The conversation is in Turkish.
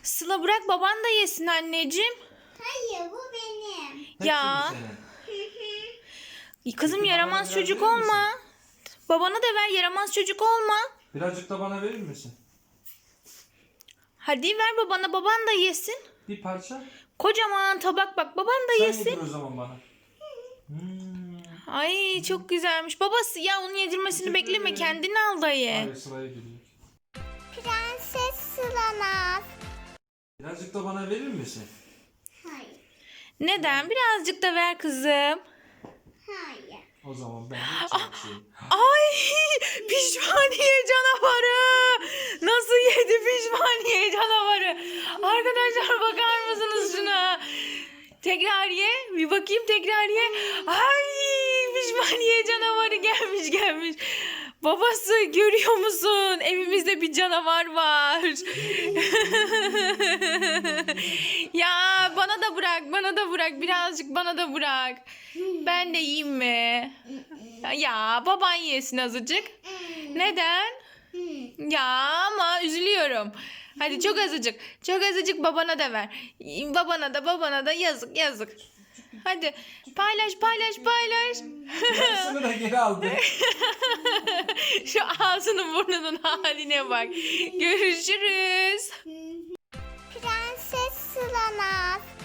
Sıla bırak baban da yesin anneciğim. Hayır, bu benim. Ya. Kızım Peki, yaramaz bana çocuk biraz verir misin? olma. Babana da ver, yaramaz çocuk olma. Birazcık da bana verir misin? Hadi ver babana, baban da yesin. Bir parça. Kocaman tabak bak, baban da Sen yesin. yedir o zaman bana. Ay çok güzelmiş. Babası ya onun yedirmesini Teşekkür bekleme, ederim. kendini al dayı. Hayır, Sıla'ya geliyor. Prenses Sılanaz. Birazcık da bana verir misin? Hayır, Neden? Birazcık da ver kızım. hayır. O zaman ben hiç yapayım. Ay pişmaniye canavarı. Nasıl yedi pişmaniye canavarı? Arkadaşlar bakar mısınız şuna? Tekrar ye. Bir bakayım, tekrar ye. Ay pişmaniye canavarı gelmiş. Babası görüyor musun? Evimizde bir canavar var. Ya bana da bırak. Birazcık bana da bırak. Ben de yiyeyim mi? Ya baban yesin azıcık. Neden? Ya ama üzülüyorum. Hadi çok azıcık. Çok azıcık babana da ver. Babana da yazık. Hadi paylaş. Yarısını da geri aldı. Şu ağzının burnunun haline bak. Görüşürüz. Prenses Sılanaz.